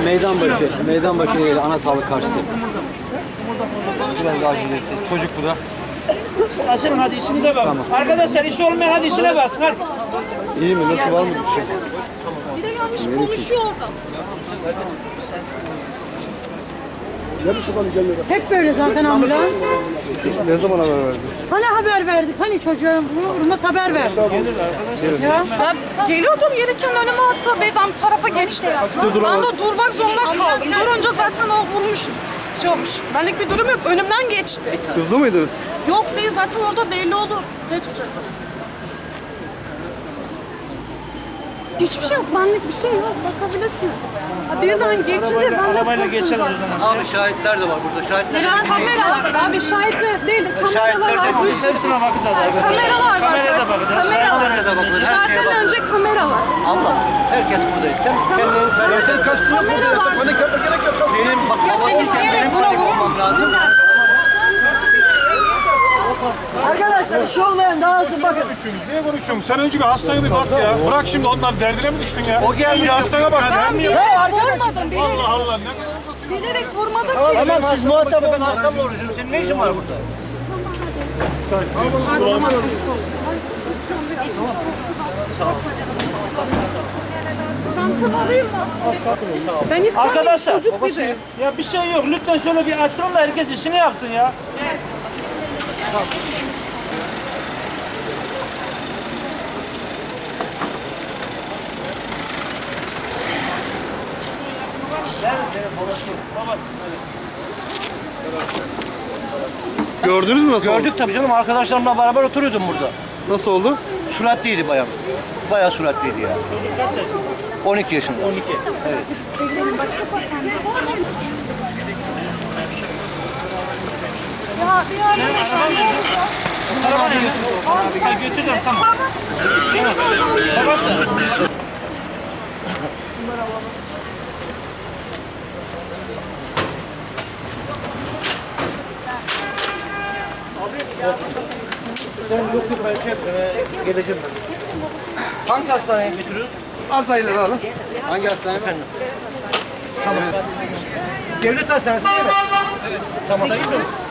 Meydanbaşı yeri ana sağlık karşısı. Biraz acilesi. Çocuk bu da. Açılın hadi içinize bakın. Tamam. Arkadaşlar işi olmayan hadi işine basın hadi. İyi mi? Nasıl, var mı bir şey? Bir de gelmiş konuşuyor orada. Hep böyle zaten ambulans. Ne zaman haber verdin? Hani haber verdik? Hani çocuğa vurmaz haber verdik. Ya. Ben geliyordum gelirken önüme attı. Beydan tarafa geçti. Ben de durmak zorunda kaldım. Durunca zaten o vurmuş. Şey olmuş. Benlik bir durum yok. Önümden geçti. Hızlı mıydınız? Yok değil zaten orada belli olur. Hepsi. Hiçbir şey yok. Benlik bir şey yok. Bakabilirsin. Ha, birden geçince ben de Arabayla geçer o zaman. Abi şahitler de var burada. Şahitler biraz kameralar. Abi şahit mi? Değil. Kameralar var. Biz hepsine bakacağız arkadaşlar. Kameralar var. Kameraya da bakacağız. Kameraya da bakılır. Her şeye Şahitten bakılır. önce kamera var. Allah. Herkes buradayız. Sen kendini... Ya senin kastın yok burada. Sen panik yapma, gerek yok. Benim bak babasıyken benim panik olmam lazım. Arkadaşlar işi olmayan daha hızlı bakın. Niye konuşuyorsun? Sen önce bir hastaya bir bak ya. Bırak şimdi onların derdine mi düştün ya? O geldi. Bir hastaya bak ya. Ben bilerek vurmadım. Allah Allah, ne kadar uzatıyorsun? Bilerek vurmadım ki. Tamam siz muhatap olun. Ben hastamla uğraşıyorum. Senin ne işin var burada? Çantamı alayım mı? Ben istemiyorum Arkadaşlar çocuk gibi. ya bir şey yok. Lütfen şöyle bir açılın da herkes işini yapsın ya. Gördünüz mü nasıl oldu? Gördük tabii canım. Arkadaşlarımla beraber oturuyordum burada. Nasıl oldu? Süratliydi bayağı. Bayağı süratliydi ya. Kaç yaşında? 12 yaşında. 12. Evet. Ya bir ara Araba ne götürdü? Ha götürdüm tamam. Babası. Geleceğim ben. Hangi hastaneye götürüyoruz? Azayla alın. Hangi hastane efendim? Tamam. Devlet hastanesi değil mi? Evet. Tamam.